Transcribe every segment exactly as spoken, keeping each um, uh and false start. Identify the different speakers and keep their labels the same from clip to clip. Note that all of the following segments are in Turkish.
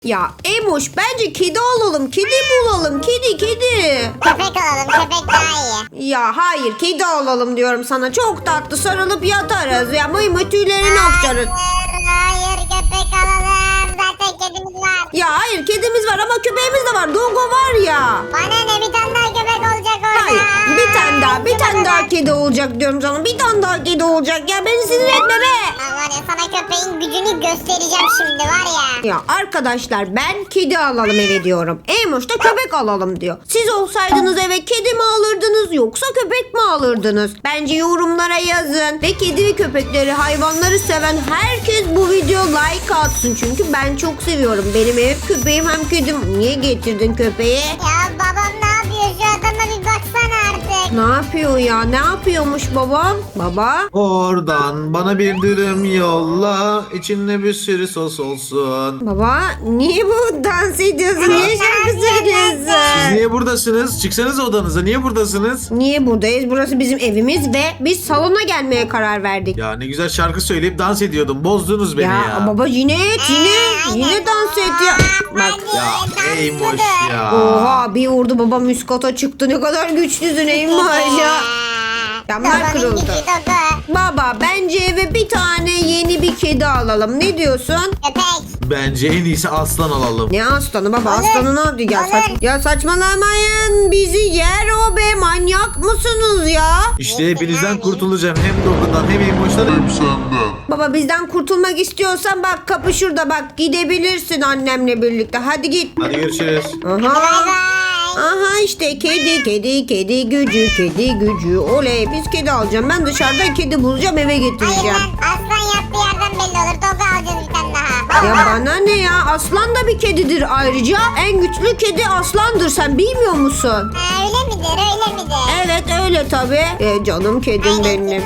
Speaker 1: Ya Emoş bence kedi alalım. Kedi bulalım. Kedi kedi.
Speaker 2: Köpek alalım, köpek daha iyi.
Speaker 1: Ya hayır kedi alalım diyorum sana. Çok tatlı sarılıp yatarız. Ya mıy mıy tüylerini aktarız.
Speaker 2: Hayır, hayır köpek alalım. Zaten kedimiz var.
Speaker 1: Ya hayır kedimiz var ama köpeğimiz de var. Dogo var ya.
Speaker 2: Bana ne, bir tane daha köpek olacak orada.
Speaker 1: Hayır bir tane daha bir tane daha kedi olacak diyorum sana. Bir tane daha kedi olacak. Ya beni sinir etme be.
Speaker 2: Lan var ya, sana köpeğin gücünü göstereceğim şimdi var ya.
Speaker 1: Ya arkadaşlar ben kedi alalım eve diyorum. Emoş da köpek alalım diyor. Siz olsaydınız eve kedi mi alırdınız yoksa köpek mi alırdınız? Bence yorumlara yazın. Ve kedi ve köpekleri, hayvanları seven herkes bu video like atsın. Çünkü ben çok seviyorum. Benim evim köpeğim hem kedim. Niye getirdin köpeği?
Speaker 2: Ya babam ne yapıyor, şu adama bir baksana artık.
Speaker 1: Ne yapıyor ya? Ne yapıyormuş babam? Baba?
Speaker 3: Oradan bana bir dürüm yolla. İçinde bir sürü sos olsun.
Speaker 1: Baba niye bu dans ediyorsun? Niye şarkı
Speaker 3: Siz
Speaker 1: söylüyorsun?
Speaker 3: niye buradasınız? Çıksanız odanıza. Niye buradasınız?
Speaker 1: Niye buradayız? Burası bizim evimiz ve biz salona gelmeye karar verdik.
Speaker 3: Ya ne güzel şarkı söyleyip dans ediyordum. Bozdunuz beni ya.
Speaker 1: Ya, baba yine et yine yine dans et ya. Bak.
Speaker 3: Ya Eymoş ya.
Speaker 1: Oha bir vurdu babam üst kata çıktı. Ne kadar güçlüsün Eymoş ya. Camlar
Speaker 2: Babanın
Speaker 1: kırıldı.
Speaker 2: gücü Dogo.
Speaker 1: Baba bence eve bir tane yeni bir kedi alalım. Ne diyorsun?
Speaker 2: Köpek.
Speaker 3: Bence en iyisi aslan alalım.
Speaker 1: Ne aslanı baba?
Speaker 2: Olur,
Speaker 1: Aslanı ne yaptı? Ya,
Speaker 2: olur.
Speaker 1: saç, ya saçmalamayın. Bizi yer o be. Manyak mısınız ya?
Speaker 3: İşte hepinizden kurtulacağım. Hem Dogun'dan hem Eymoş'tan hem senden.
Speaker 1: Baba bizden kurtulmak istiyorsan bak kapı şurada bak. Gidebilirsin annemle birlikte. Hadi git.
Speaker 3: Hadi görüşürüz.
Speaker 1: Aha.
Speaker 2: Bay bay.
Speaker 1: Aha işte kedi kedi kedi gücü kedi gücü oley biz kedi alacağım ben dışarıda kedi bulacağım eve
Speaker 2: Hayır
Speaker 1: getireceğim.
Speaker 2: lan, aslan yattığı yerden belli olur. Dogo alacağız bir tane daha.
Speaker 1: Ya bana ne ya aslan da bir kedidir ayrıca en güçlü kedi aslandır sen bilmiyor musun?
Speaker 2: Ha, öyle midir, öyle midir?
Speaker 1: Evet öyle tabi. E, canım kedim benim.
Speaker 2: Nedir?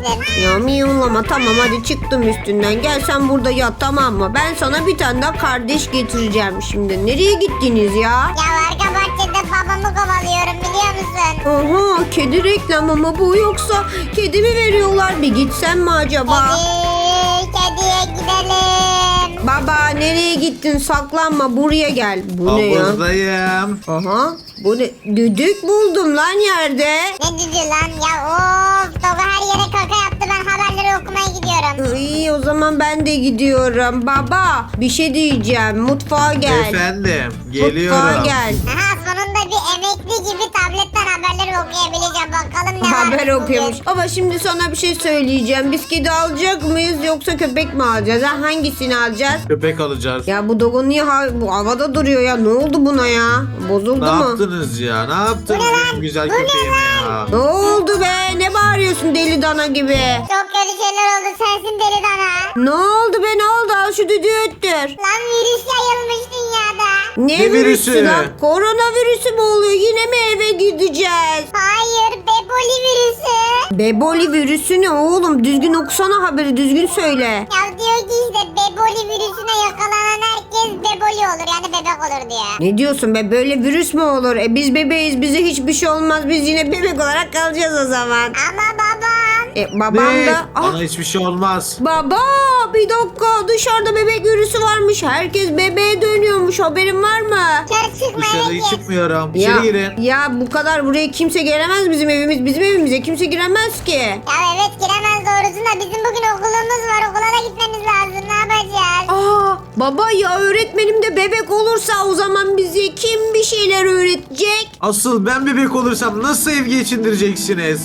Speaker 1: Ya miyavlama tamam hadi çıktım üstünden gel sen burada yat tamam mı? Ben sana bir tane daha kardeş getireceğim şimdi. Nereye gittiniz ya?
Speaker 2: Ya arka bahçede babamı kovalıyorum, biliyor musun?
Speaker 1: Aha kedi reklamı mı bu yoksa kedi mi veriyorlar bir gitsem mi acaba?
Speaker 2: Kedi, kediye gidelim.
Speaker 1: Baba nereye gittin saklanma buraya gel. Bu ne ya?
Speaker 3: Havuzdayım.
Speaker 1: Aha bu ne? Düdük buldum lan yerde.
Speaker 2: Ne dedi lan ya, of. Dogo her yere kaka yaptı, ben haberleri okumaya gidiyorum.
Speaker 1: İyi o zaman ben de gidiyorum. Baba bir şey diyeceğim mutfağa gel.
Speaker 3: Efendim.
Speaker 1: Mutfağa
Speaker 3: Geliyorum.
Speaker 1: gel.
Speaker 2: Aha, sonunda bir emekli gibi tabletten haberleri okuyabileceğim. Bakalım ne var.
Speaker 1: Haber okuyormuş. Baba şimdi sana bir şey söyleyeceğim. Biz kedi alacak mıyız yoksa köpek mi alacağız? Ha? Hangisini alacağız?
Speaker 3: Köpek alacağız.
Speaker 1: Ya bu dogo niye ha- bu havada duruyor ya? Ne oldu buna ya? Bozuldu
Speaker 3: Ne
Speaker 1: mu?
Speaker 3: yaptınız ya? Ne yaptınız benim güzel köpeğime ya?
Speaker 1: Ne oldu be? Ne bağırıyorsun deli dana gibi?
Speaker 2: Çok kötü şeyler oldu, sensin deli dana.
Speaker 1: Ne oldu be ne oldu? Al şu düdüğü öttür.
Speaker 2: Lan virüs yayılmış dünyada.
Speaker 1: Ne,
Speaker 3: Ne
Speaker 1: virüsü
Speaker 3: virüsü?
Speaker 1: lan? Koronavirüsü mü oluyor? Yine mi eve gideceğiz?
Speaker 2: Hayır, beboli virüsü.
Speaker 1: Beboli virüsü ne oğlum? Düzgün okusana haberi düzgün söyle.
Speaker 2: Ya diyor ki işte beboli virüsüne yakalanan herkes beboli olur, yani bebek olur diyor.
Speaker 1: Ne diyorsun be? Böyle virüs mü olur? E biz bebeğiz. Bize hiçbir şey olmaz. Biz yine bebek olarak kalacağız o zaman.
Speaker 2: Ama babam.
Speaker 1: E babam
Speaker 3: Ne?
Speaker 1: da... Ah,
Speaker 3: Bana hiçbir şey olmaz.
Speaker 1: baba bir dakika dışarıda bebek virüsü varmış. Herkes bebeğe dönüyormuş. Haberin var mı?
Speaker 2: Dışarı çıkma,
Speaker 3: Dışarı
Speaker 2: eve git.
Speaker 3: çıkmıyorum.
Speaker 1: Ya,
Speaker 3: İçeri girin.
Speaker 1: ya bu kadar buraya kimse gelemez bizim evimiz. Bizim evimize kimse giremez ki.
Speaker 2: Ya evet, giremez doğrusu da bizim bugün okulumuz var. Okula da gitmemiz lazım, ne yapacağız?
Speaker 1: Aa baba ya öğretmenim de bebek olursa o zaman bize kim bir şeyler öğretecek?
Speaker 3: Asıl ben bebek olursam nasıl ev geçindireceksiniz?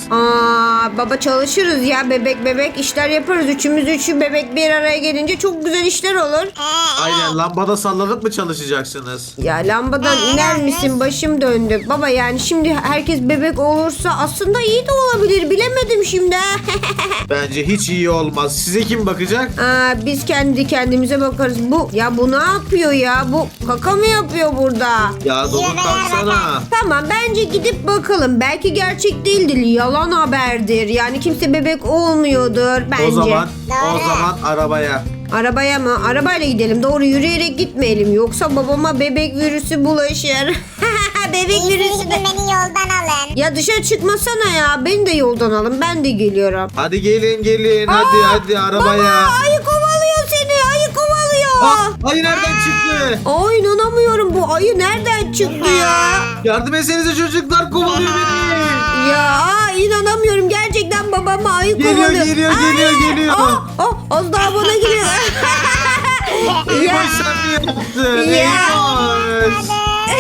Speaker 1: Aa baba çalışırız ya bebek bebek işler yaparız. Üçümüz üçü bebek bir araya gelince çok güzel işler olur.
Speaker 2: Ee,
Speaker 3: Aynen lambada sallanıp mı çalışacaksınız?
Speaker 1: Ya lambadan
Speaker 2: Ee,
Speaker 1: iner
Speaker 2: evet.
Speaker 1: misin? Başım döndü. Baba yani şimdi herkes bebek olursa aslında iyi de olabilir. Bilemedim şimdi.
Speaker 3: Bence hiç iyi olmaz. Size kim bakacak?
Speaker 1: Aa, biz kendi kendimize bakarız. Bu ya bu ne yapıyor ya? Bu kaka mı yapıyor burada?
Speaker 3: Ya Dogun
Speaker 2: Yürü be,
Speaker 3: kalksana.
Speaker 1: Tamam bence gidip bakalım. Belki gerçek değildir. Yalan haberdir. Yani kimse bebek olmuyordur bence.
Speaker 3: O zaman o
Speaker 2: Doğru.
Speaker 3: zaman arabaya.
Speaker 1: Arabaya mı? Arabayla gidelim. Doğru yürüyerek gitmeyelim. Yoksa babama bebek virüsü bulaşır. Bebek
Speaker 2: iyisi
Speaker 1: virüsü
Speaker 2: gidin
Speaker 1: de...
Speaker 2: beni yoldan alın.
Speaker 1: Ya dışarı çıkmasana ya. Beni de yoldan alın. Ben de geliyorum.
Speaker 3: Hadi gelin gelin hadi
Speaker 1: Aa,
Speaker 3: hadi arabaya.
Speaker 1: Baba ayı kovalıyor seni. Ayı kovalıyor.
Speaker 3: Aa, ayı nereden çıktı?
Speaker 1: Ay inanamıyorum, bu ayı nereden çıktı ya?
Speaker 3: Yardım etsenize çocuklar, kovalıyor beni.
Speaker 1: Ya inanamıyorum, gerçekten babama ayı
Speaker 3: Geliyor,
Speaker 1: kovalıyor.
Speaker 3: geliyor,
Speaker 1: Ay,
Speaker 3: geliyor, geliyor.
Speaker 1: Aa, aa, az daha bana geliyor.
Speaker 3: Eymoş sen mi yaptın?
Speaker 1: Ya.
Speaker 3: Eymoş.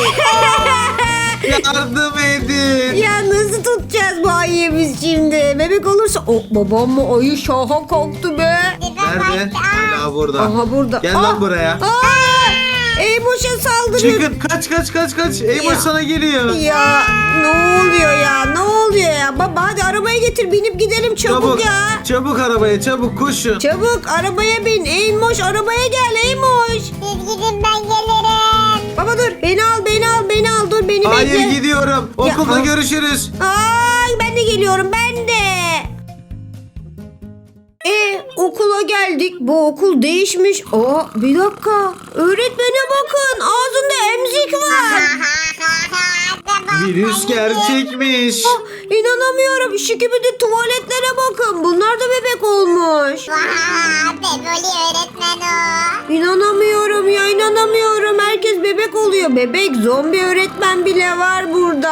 Speaker 3: Yardım edin.
Speaker 1: Ya nasıl tutacağız bu ayıyı biz şimdi? Bebek olursa... Oh, babam mı ayı şaha kalktı be.
Speaker 3: Nerede? Hala burada.
Speaker 1: Aha burada.
Speaker 3: Gel
Speaker 1: Aa,
Speaker 3: lan buraya.
Speaker 1: Aa, Eymoş'a saldırıyor.
Speaker 3: Çıkın, kaç kaç kaç kaç. Eymoş
Speaker 1: Ya.
Speaker 3: sana geliyor.
Speaker 1: Ya ne oluyor ya? Ne oluyor ya? Baba hadi arabaya getir, binip gidelim çabuk,
Speaker 3: Çabuk,
Speaker 1: ya.
Speaker 3: çabuk arabaya, çabuk koşun.
Speaker 1: Çabuk arabaya bin. Eymoş arabaya gel Eymoş.
Speaker 2: Siz gidin ben gelirim.
Speaker 1: Baba dur, beni al beni al beni al, dur beni
Speaker 3: Hayır,
Speaker 1: bekle.
Speaker 3: gidiyorum. Okulda
Speaker 1: Ya.
Speaker 3: görüşürüz.
Speaker 1: Ay ben de geliyorum, ben de. E okula geldik. Bu okul değişmiş. Aa bir dakika. Öğretmene bakın. Ağzında emzik var.
Speaker 3: Virüs gerçekmiş.
Speaker 1: Ah, İnanamıyorum. Şikibidi tuvaletlere bakın. Bunlar da bebek olmuş.
Speaker 2: Vaa, Beboli öğretmen o.
Speaker 1: İnanamıyorum ya, inanamıyorum. Herkes bebek oluyor. Bebek zombi öğretmen bile var burada.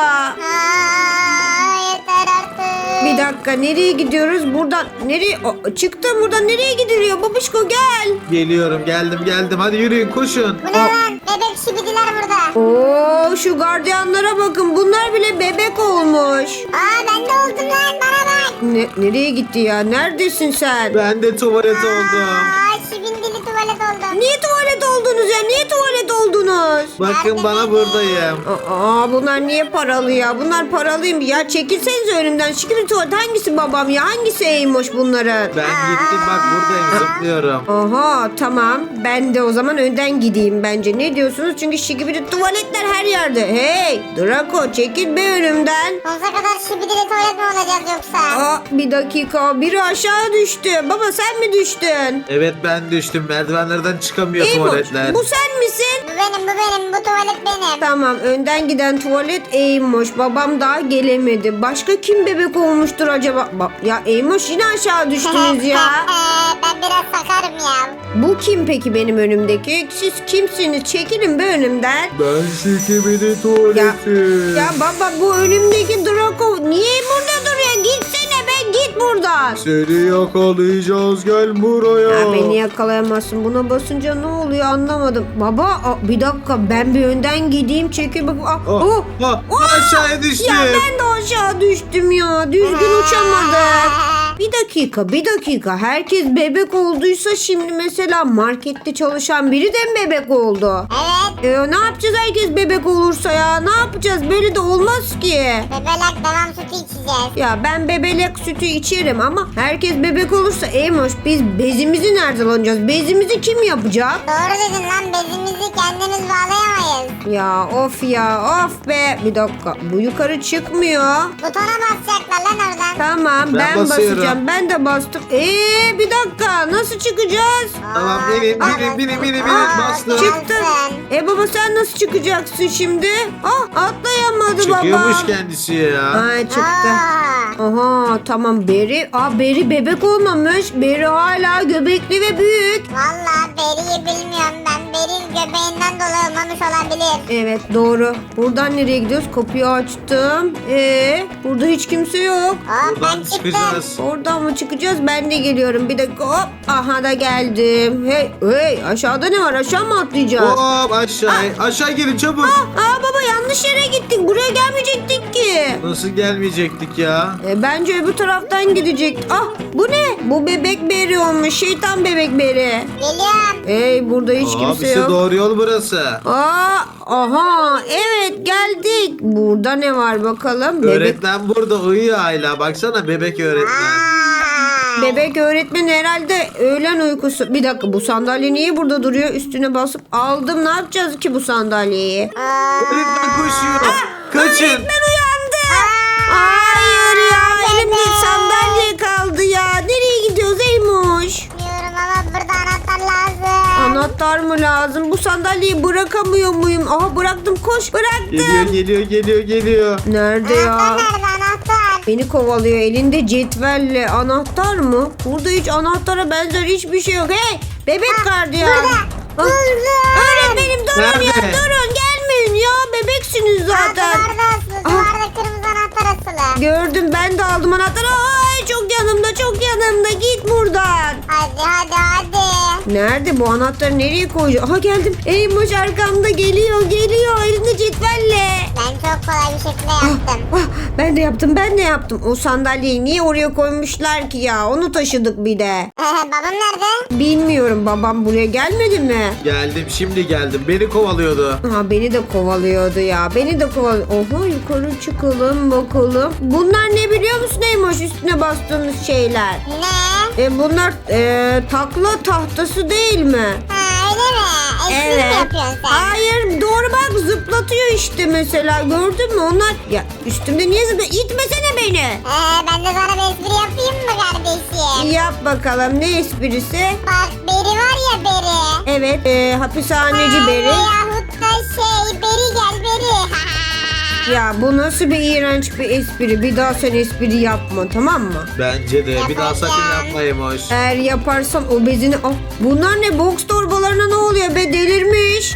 Speaker 2: Aa, yeter artık.
Speaker 1: Bir dakika, nereye gidiyoruz? Buradan nereye? Aa, çıktım buradan, nereye gidiliyor? Babişko gel.
Speaker 3: Geliyorum, geldim geldim. Hadi yürüyün, koşun.
Speaker 2: Bu ne lan? Bebek şibidiler burada.
Speaker 1: Oo şu gardiyanlara bakın. Bunlar bile bebek olmuş.
Speaker 2: Aa ben de oldum lan, bana bak.
Speaker 1: Ne, nereye gitti ya? Neredesin sen?
Speaker 3: Ben de tuvalet oldum.
Speaker 2: Aa şibindili tuvalet oldum.
Speaker 1: Niye tuvalet oldunuz ya? Niye tuvalet oldunuz?
Speaker 3: Bakın bana, buradayım.
Speaker 1: Aa bunlar niye paralı ya? Bunlar paralıyım. Ya çekilsenize önümden. Şimdi tuvalet hangisi babam ya? Hangisi Eymoş bunların?
Speaker 3: Ben gittim, bak buradayım, zıplıyorum.
Speaker 1: Aha tamam. Ben de o zaman önden gideyim bence. Ne diyorsunuz? Çünkü şikibidi tuvaletler her yerde. Hey Draco, çekil be önümden.
Speaker 2: Sonsuza kadar şibidili tuvalet mi olacağız yoksa?
Speaker 1: Aa, bir dakika, biri aşağı düştü. Baba sen mi düştün?
Speaker 3: Evet, ben düştüm. Merdivenlerden çıkamıyor
Speaker 1: Eymoş,
Speaker 3: tuvaletler.
Speaker 1: bu sen misin?
Speaker 2: Bu benim, bu benim, bu tuvalet benim.
Speaker 1: Tamam, önden giden tuvalet Eymoş. Babam daha gelemedi. Başka kim bebek olmuştur acaba? Ba- ya Eymoş yine aşağı düştünüz ya.
Speaker 2: Ee, ben biraz sakarım ya.
Speaker 1: Bu kim peki benim önümdeki? Siz kimsiniz? Çekilin be önümden.
Speaker 3: Ben şikibidi tuvaleti.
Speaker 1: Ya baba, bu önümdeki Draco niye burada duruyor? Gitsene be, git buradan.
Speaker 3: Seni yakalayacağız, gel buraya.
Speaker 1: Ya beni yakalayamazsın. Buna basınca ne oluyor anlamadım. Baba aa, bir dakika, ben bir önden gideyim, çekil bak. Aa,
Speaker 3: Ah,
Speaker 1: oh.
Speaker 3: ah, aşağıya düştüm.
Speaker 1: Ya ben de aşağı düştüm ya. Düzgün uçamadım. Bir dakika, bir dakika. Herkes bebek olduysa şimdi mesela markette çalışan biri de mi bebek oldu?
Speaker 2: Evet.
Speaker 1: Ee, ne yapacağız herkes bebek olursa ya? Ne yapacağız? Böyle de olmaz ki.
Speaker 2: Bebelek devam sütü içeceğiz.
Speaker 1: Ya ben bebelek sütü içerim ama herkes bebek olursa Eymoş, biz bezimizi nereden alacağız? Bezimizi kim yapacak?
Speaker 2: Doğru dedin lan, bezimizi kendimiz bağlayamayız.
Speaker 1: Ya of ya of be. Bir dakika, bu yukarı çıkmıyor.
Speaker 2: Butona basacaklar lan oradan.
Speaker 1: Tamam ben,
Speaker 3: Ben basıyorum.
Speaker 1: basacağım. Ben de bastım. Ee bir dakika, nasıl çıkacağız?
Speaker 3: Tamam,
Speaker 2: Aa,
Speaker 3: binin,
Speaker 2: aa,
Speaker 3: binin, binin, binin, binin.
Speaker 2: aa,
Speaker 3: Bastım.
Speaker 1: Çıktım.
Speaker 2: gelsin.
Speaker 1: E baba sen nasıl çıkacaksın şimdi? Ah atlayamadı babam.
Speaker 3: Çıkıyormuş kendisi ya.
Speaker 1: Ha çıktı.
Speaker 2: Aa,
Speaker 1: Aha tamam, Beri. Aa Beri bebek olmamış. Beri hala göbekli ve büyük.
Speaker 2: Valla Beri'yi bilmiyorum ben. Beri göbeğinden dolayı olmamış olabilir.
Speaker 1: Evet doğru. Buradan nereye gidiyoruz? Kapıyı açtım. Ee burada hiç kimse yok.
Speaker 2: Hop ben
Speaker 3: Buradan
Speaker 2: çıktım.
Speaker 3: çıkacağız.
Speaker 1: Oradan mı çıkacağız? Ben de geliyorum. Bir dakika hop. Aha da geldim. Hey hey, aşağıda ne var? Aşağı mı atlayacağız?
Speaker 3: Hop aşağı. Aşağı gelin çabuk.
Speaker 1: Aa baba, yanlış yere gittik. Buraya gelmeyecektik ki.
Speaker 3: Nasıl gelmeyecektik ya?
Speaker 1: E, bence öbür taraftan gidecek. Ah bu ne? Bu bebek beri olmuş. Şeytan bebek beri.
Speaker 2: Geliyorum.
Speaker 1: Hey burada hiç kimse
Speaker 3: Abisi
Speaker 1: yok.
Speaker 3: doğru yol burası.
Speaker 1: Aa, aha evet geldik. Burada ne var bakalım? Bebek,
Speaker 3: Öğretmen burada uyuyor hala. Baksana, bebek öğretmen.
Speaker 2: Aa,
Speaker 1: bebek öğretmen herhalde öğlen uykusu. Bir dakika, bu sandalye niye burada duruyor? Üstüne basıp aldım. Ne yapacağız ki bu sandalyeyi?
Speaker 2: aa,
Speaker 3: Öğretmen koşuyor. Kaçın.
Speaker 1: Öğretmen uyandı. Hayır ya, elimde sandalye kaldı ya. Nereye gidiyoruz Eymoş?
Speaker 2: bilmiyorum ama burada anahtar lazım.
Speaker 1: Anahtar mı lazım? Bu sandalyeyi bırakamıyor muyum? Aha bıraktım, koş bıraktım.
Speaker 3: Geliyor, geliyor, geliyor, geliyor.
Speaker 1: Nerede
Speaker 2: Anahtar
Speaker 1: ya?
Speaker 2: nerede anahtar?
Speaker 1: Beni kovalıyor elinde cetvelle. Anahtar mı? Burada hiç anahtara benzer hiçbir şey yok. Hey bebek gardiyan.
Speaker 2: Burada.
Speaker 1: Ah, öğretmenim durun ya
Speaker 3: Nerede?
Speaker 1: durun gelmeyin ya bebeksiniz zaten.
Speaker 2: Duvarda asılı. Duvarda kırmızı anahtar asılı.
Speaker 1: Gördüm ben de aldım anahtarı. Ay çok yanımda çok yanımda git buradan.
Speaker 2: Hadi hadi hadi.
Speaker 1: Nerede bu anahtarı nereye koyacağım? Aha geldim. Eymoş arkamda geliyor geliyor elinde cetvelle.
Speaker 2: Ben çok kolay bir şekilde yaptım.
Speaker 1: Ah, ben de yaptım ben de yaptım. O sandalyeyi niye oraya koymuşlar ki ya? Onu taşıdık bir de.
Speaker 2: Babam nerede?
Speaker 1: Bilmiyorum babam buraya gelmedi mi?
Speaker 3: Geldim şimdi geldim. Beni kovalıyordu.
Speaker 1: Ha beni de kovalıyordu ya. Beni de kovalıyor. Oha yukarı çıkalım bakalım. Bunlar ne biliyor musun Eymoş üstüne bastığımız şeyler?
Speaker 2: Ne?
Speaker 1: E bunlar e, takla tahtası değil mi?
Speaker 2: Ha öyle mi? Espri mi yapıyorsun sen?
Speaker 1: Hayır doğru bak zıplatıyor işte mesela gördün mü onlar ya üstümde niye zıplıyor itmesene beni.
Speaker 2: Ee, ben de sana bir espri yapayım mı kardeşim?
Speaker 1: Yap bakalım ne esprisi?
Speaker 2: Bak Beri var ya Beri.
Speaker 1: Evet e, hapishaneci Beri.
Speaker 2: Veyahut da şey Beri gel Beri.
Speaker 1: Ya bu nasıl bir iğrenç bir espri bir daha sen espri yapma tamam mı?
Speaker 3: Bence de. Bir daha sakın
Speaker 2: Yapacağım.
Speaker 3: yapmayayım hoş.
Speaker 1: Eğer yaparsan o bezini ah, bunlar ne boks torbalarına ne oluyor be delirmiş.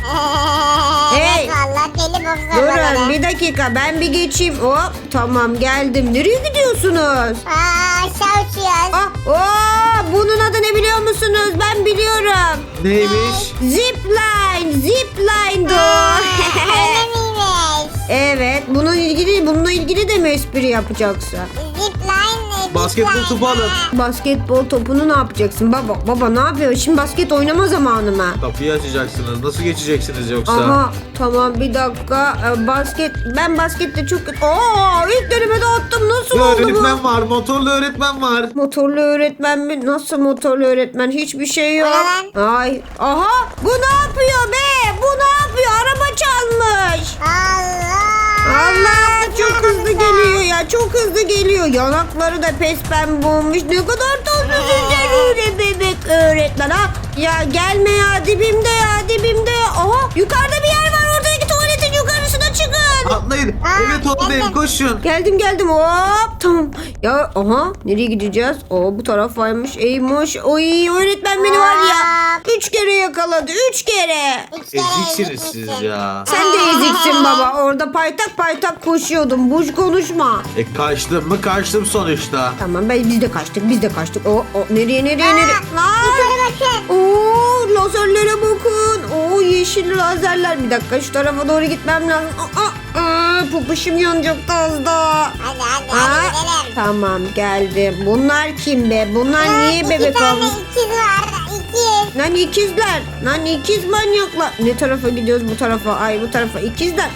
Speaker 1: Hey.
Speaker 2: Evet valla deli boks
Speaker 1: Durun
Speaker 2: arabaları.
Speaker 1: bir dakika ben bir geçeyim hop tamam geldim nereye gidiyorsunuz?
Speaker 2: Aa aşağı uçuyoruz.
Speaker 1: Ah, oh, bunun adı ne biliyor musunuz? Ben biliyorum.
Speaker 3: Neymiş?
Speaker 1: Zipline, zipline
Speaker 2: Aa,
Speaker 1: do.
Speaker 2: öyle miymiş?
Speaker 1: Evet, bununla ilgili bununla ilgili de mi espri yapacaksın?
Speaker 2: Zipline.
Speaker 3: Basketbol
Speaker 2: zipline.
Speaker 3: topu alın.
Speaker 1: Basketbol topunu ne yapacaksın? Baba, baba ne yapıyor? Şimdi basket oynama zamanı mı?
Speaker 3: Kapıyı açacaksınız. Nasıl geçeceksiniz yoksa?
Speaker 1: Aha, tamam bir dakika. Ee, basket, ben baskette çok kötü. Aa, ilk denemede attım. Nasıl
Speaker 3: Bir
Speaker 1: oldu bu?
Speaker 3: öğretmen var. Motorlu öğretmen var.
Speaker 1: Motorlu öğretmen mi? Nasıl motorlu öğretmen? Hiçbir şey yok.
Speaker 2: O ne
Speaker 1: Ay, aha, bu ne yapıyor be? Bu ne yapıyor? Araba çalmış.
Speaker 2: Allah.
Speaker 1: Allah çok hızlı geliyor ya çok hızlı geliyor yanakları da pes pembe olmuş ne kadar tatlısın sen öyle bebek öğretmen ha ya gelme ya dibimde ya dibimde ya aha yukarıda bir yer var oradaki tuvaletin yukarısına çıkın
Speaker 3: Atlayın.
Speaker 2: Aa,
Speaker 3: Evet oradayım.
Speaker 2: ben de-
Speaker 3: Koşun.
Speaker 1: geldim geldim hop tamam ya aha nereye gideceğiz o bu taraf varmış eymoş oy öğretmen beni var ya üç kere yakaladı üç kere
Speaker 2: Üç kere
Speaker 3: Eziksiniz siz
Speaker 2: gitmişsin.
Speaker 3: ya.
Speaker 1: sen de eziksin baba orada paytak paytak koşuyordun boş konuşma.
Speaker 3: E kaçtım mı kaçtım sonuçta.
Speaker 1: Tamam ben biz de kaçtık biz de kaçtık. O, o nereye nereye
Speaker 2: Aa,
Speaker 1: nereye? Lan!
Speaker 2: Yukarı bakın.
Speaker 1: Oo lazerlere bakın. Oo yeşil lazerler. Bir dakika şu tarafa doğru gitmem lazım. Aa, aa, popuşum yanacaktı az daha.
Speaker 2: Hadi hadi
Speaker 1: Aa,
Speaker 2: hadi gidelim.
Speaker 1: tamam geldim. Bunlar kim be? Bunlar
Speaker 2: Aa,
Speaker 1: niye
Speaker 2: iki
Speaker 1: bebek
Speaker 2: tane
Speaker 1: olmuş?
Speaker 2: ikiz var. İkiz.
Speaker 1: Lan ikizler. Lan ikiz manyaklar. Ne tarafa gidiyoruz bu tarafa? Ay bu tarafa. İkizler.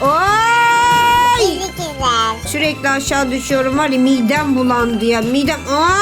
Speaker 1: Ay!
Speaker 2: İkiz ikizler.
Speaker 1: Sürekli aşağı düşüyorum var ya midem bulandı ya midem.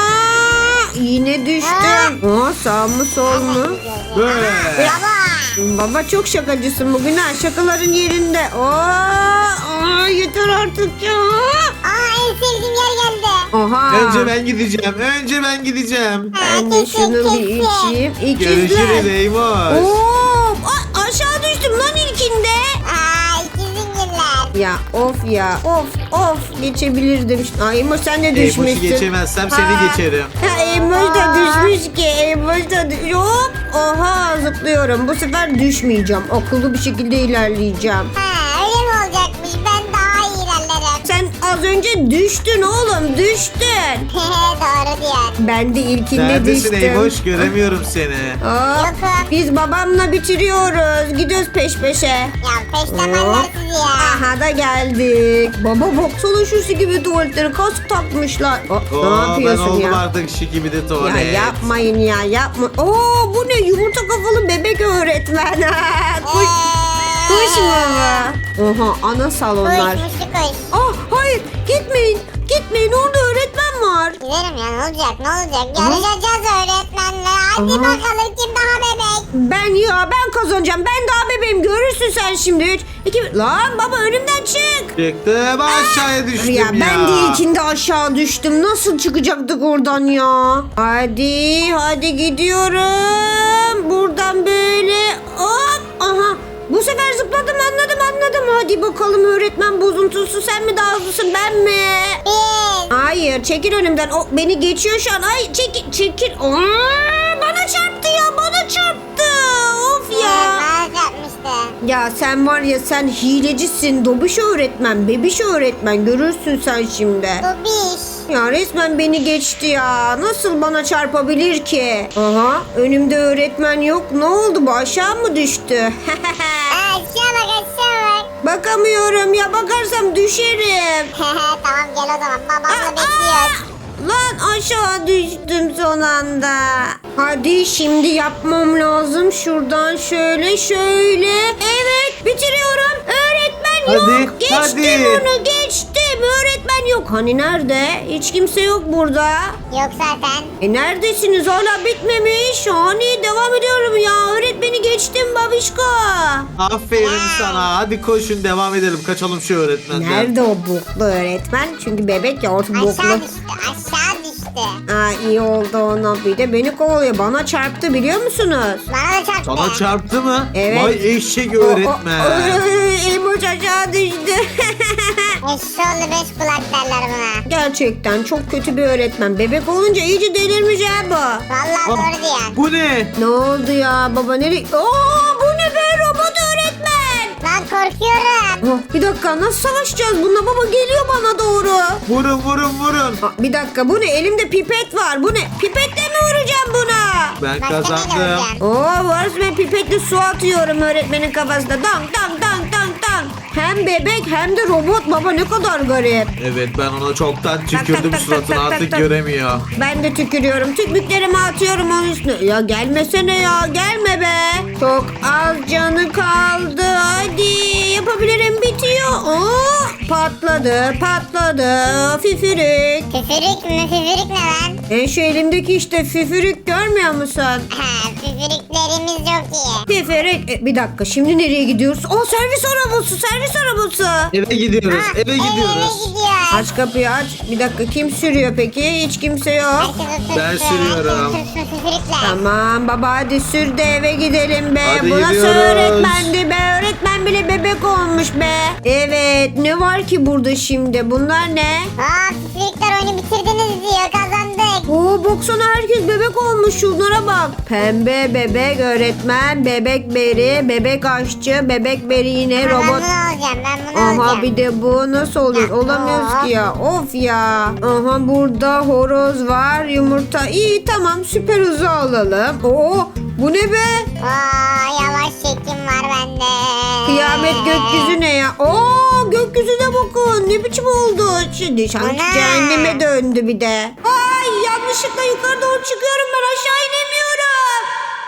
Speaker 1: Aa, yine düştüm. Aa, sağ mı sol mu?
Speaker 3: Böyle.
Speaker 2: Baba.
Speaker 1: Baba çok şakacısın bugün ha şakaların yerinde. Aa, aa, yeter artık ya.
Speaker 2: Aa en sevdiğim yer geldi.
Speaker 1: Oha.
Speaker 3: Önce ben gideceğim. Önce ben gideceğim.
Speaker 1: Ben de
Speaker 2: kesin,
Speaker 1: şunu bir
Speaker 2: kesin.
Speaker 1: içeyim.
Speaker 3: Görüşürüz
Speaker 1: İkizler.
Speaker 3: Eymoş.
Speaker 1: Oo, a- aşağı düştüm lan ilkinde.
Speaker 2: Aa ikizin giller.
Speaker 1: Ya of ya of of geçebilirdim. Ay Emoş sen de
Speaker 3: Eymoş'u
Speaker 1: düşmüşsün.
Speaker 3: geçemezsem
Speaker 1: Ha.
Speaker 3: seni geçerim.
Speaker 1: Ha, Emoş da düşmüş ki. Emoş da düş- hop. Oha zıplıyorum. Bu sefer düşmeyeceğim. Akıllı bir şekilde ilerleyeceğim.
Speaker 2: Ha öyle mi olacakmış? Ben daha iyi ilerlerim.
Speaker 1: Sen az önce düştün oğlum düştün.
Speaker 2: Doğru diyor.
Speaker 1: Ben de ilkinde
Speaker 3: Neredesin
Speaker 1: düştüm.
Speaker 3: Eymoş? Göremiyorum seni.
Speaker 1: Hop.
Speaker 2: Yokum.
Speaker 1: Biz babamla bitiriyoruz. Gidiyoruz peş peşe.
Speaker 2: Ya peştemanlar sizi ya.
Speaker 1: Aha da geldik. Baba baksana şu gibi tuvaletleri kask takmışlar. Aa,
Speaker 3: Oo,
Speaker 1: ne
Speaker 3: ben
Speaker 1: yapıyorsun
Speaker 3: oldum
Speaker 1: ya?
Speaker 3: artık şiki bir de
Speaker 1: Ya
Speaker 3: tuvalet.
Speaker 1: yapmayın ya yapma. Oo bu ne yumurta kafalı bebek öğretmen. Kuş, kuş mu bu? Oha ana salonlar.
Speaker 2: Kuş muşlu kuş.
Speaker 1: Ah hayır gitmeyin gitmeyin orada öğretmen var.
Speaker 2: Gidelim ya ne olacak ne olacak? Yarışacağız öğretmenle. Hadi
Speaker 1: Aha.
Speaker 2: bakalım kim daha bebek.
Speaker 1: Ben ya ben kazanacağım ben daha bebeğim görürsün sen şimdi. Üç, iki, lan baba önümden çık.
Speaker 3: Çıktım aşağıya düştüm ya.
Speaker 1: Ya ben de ilkinde aşağı düştüm. Nasıl çıkacaktık oradan ya? Hadi hadi gidiyorum. Buradan böyle hop aha. Bu sefer zıpladım anladım anladım. Hadi bakalım öğretmen bozuntusu sen mi daha hızlısın ben mi?
Speaker 2: Bir.
Speaker 1: Hayır çekil önümden. O beni geçiyor şu an. Ay çekil çekil. Aa, bana çarptı ya bana çarptı. Of ya. Ya sen var ya sen hilecisin. Dobiş öğretmen, bebiş öğretmen. Görürsün sen şimdi.
Speaker 2: Dobiş.
Speaker 1: Ya resmen beni geçti ya. Nasıl bana çarpabilir ki? Aha önümde öğretmen yok. Ne oldu bu aşağı mı düştü?
Speaker 2: Aa, aşağı bak aşağı bak.
Speaker 1: Bakamıyorum ya bakarsam düşerim.
Speaker 2: Tamam gel o zaman babamla bekliyoruz.
Speaker 1: Lan aşağı düştüm son anda. Hadi şimdi yapmam lazım. Şuradan şöyle şöyle. Evet bitiriyorum. Öğretmen yok.
Speaker 3: Hadi,
Speaker 1: Geçtim
Speaker 3: hadi.
Speaker 1: onu geçtim. Öğretmen yok. Hani nerede? Hiç kimse yok burada.
Speaker 2: Yok zaten.
Speaker 1: E neredesiniz? Hala bitmemiş. Hani devam ediyorum ya. Öğretmeni geçtim babişko.
Speaker 3: Aferin sana. Hadi koşun devam edelim. Kaçalım şu öğretmenden.
Speaker 1: Nerede o boklu öğretmen? Çünkü bebek ya orta boklu.
Speaker 2: Aşağı düştü aşağı düştü.
Speaker 1: Aa, iyi oldu ona. Bir de beni kovalıyor. Bana çarptı biliyor musunuz?
Speaker 2: Bana da çarptı.
Speaker 3: Sana çarptı mı?
Speaker 1: Evet.
Speaker 3: Vay eşek öğretmen.
Speaker 1: Emoç aşağı düştü.
Speaker 2: Eşşoğlu beş kulak derler buna.
Speaker 1: Gerçekten çok kötü bir öğretmen. Bebek olunca iyice delirmiş ha bu.
Speaker 2: Vallahi
Speaker 3: Ah,
Speaker 2: doğru diyorsun.
Speaker 3: bu ne?
Speaker 1: Ne oldu ya baba nereye? Aa, bu ne be robot öğretmen.
Speaker 2: Lan korkuyorum.
Speaker 1: Oh, bir dakika nasıl savaşacağız bununla baba geliyor bana doğru.
Speaker 3: Vurun vurun vurun.
Speaker 1: Aa, bir dakika bu ne elimde pipet var bu ne pipetle mi vuracağım buna?
Speaker 3: Ben
Speaker 2: Başka neyle
Speaker 3: kazandım.
Speaker 2: vuracaksın?
Speaker 1: Oo varız ben pipetle su atıyorum öğretmenin kafasına. Dank dank dank dank dank. Hem bebek hem de robot baba ne kadar garip.
Speaker 3: Evet ben ona çoktan
Speaker 1: tak,
Speaker 3: tükürdüm
Speaker 1: tak,
Speaker 3: suratını
Speaker 1: tak, tak,
Speaker 3: artık
Speaker 1: tak.
Speaker 3: göremiyor.
Speaker 1: Ben de tükürüyorum. Tükmüklerimi atıyorum onun üstüne. Ya gelmesene ya. Gelme be. Çok az canı kaldı. Hadi yapabilirim. Bitiyor. Oo, patladı. Patladı. Füfürük.
Speaker 2: Füfürük mü? Füfürük ne lan?
Speaker 1: E şu elimdeki işte füfürük görmüyor musun?
Speaker 2: Ha, füfürüklerimiz yok iyi.
Speaker 1: Füfürük. E, bir dakika şimdi nereye gidiyoruz? Aa servis arabası. Servis arabası.
Speaker 3: Eve gidiyoruz
Speaker 2: Ha,
Speaker 3: eve
Speaker 2: Eve
Speaker 3: gidiyoruz.
Speaker 2: gidiyoruz.
Speaker 1: Aç kapıyı aç. Bir dakika kim sürüyor peki? Hiç kimse yok.
Speaker 2: Herkes otursun.
Speaker 3: Ben sürüyorum.
Speaker 2: Herkes otursun füfürükle.
Speaker 1: Tamam baba hadi sür de eve gidelim be.
Speaker 3: Hadi
Speaker 1: Bu nasıl
Speaker 3: gidiyoruz.
Speaker 1: öğretmendi be? Öğretmen bile bebek olmuş be. Evet ne var ki burada şimdi? Bunlar ne?
Speaker 2: Aa füfürükler oyunu bitirdiniz diyor kazandık.
Speaker 1: Oo baksana herkes bebek olmuş şunlara bak. Pembe bebek öğretmen, bebek beri, bebek aşçı, bebek beri yine
Speaker 2: Ben
Speaker 1: robot.
Speaker 2: bunu alacağım ben bunu
Speaker 1: Aha
Speaker 2: alacağım.
Speaker 1: bir de bu nasıl oluyor?
Speaker 2: Ya,
Speaker 1: Olamıyoruz
Speaker 2: aa.
Speaker 1: ki ya. Of ya. Aha burada horoz var, yumurta. İyi tamam süper hızı alalım. Oo bu ne be?
Speaker 2: Aa yavaş çekim var bende.
Speaker 1: Kıyamet gökyüzü ne ya? Oo gökyüzüne bakın. Ne biçim oldu? Şimdi sanki
Speaker 2: Ana.
Speaker 1: cehenneme döndü bir de. Ay yanlışlıkla yukarı doğru çıkıyorum ben aşağı inemiyorum.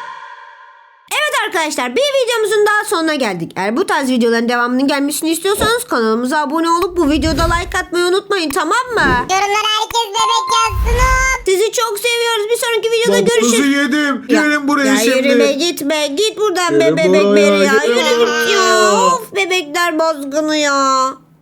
Speaker 1: Evet arkadaşlar bir videomuzun daha sonuna geldik. Eğer bu tarz videoların devamının gelmesini istiyorsanız kanalımıza abone olup bu videoda like atmayı unutmayın tamam mı?
Speaker 2: Yorumlara herkes bebek yazsın hop.
Speaker 1: Sizi çok seviyoruz. Bir sonraki videoda
Speaker 3: Dokuzu
Speaker 1: görüşürüz.
Speaker 3: yedim.
Speaker 1: Ya-
Speaker 3: Gelin buraya
Speaker 1: ya
Speaker 3: şimdi.
Speaker 1: yürüme gitme. Git buradan be
Speaker 3: Gelin
Speaker 1: bebek
Speaker 3: buraya,
Speaker 1: beri ya.
Speaker 3: gidin.
Speaker 1: Yürü git ya. Of bebekler bozgunu ya.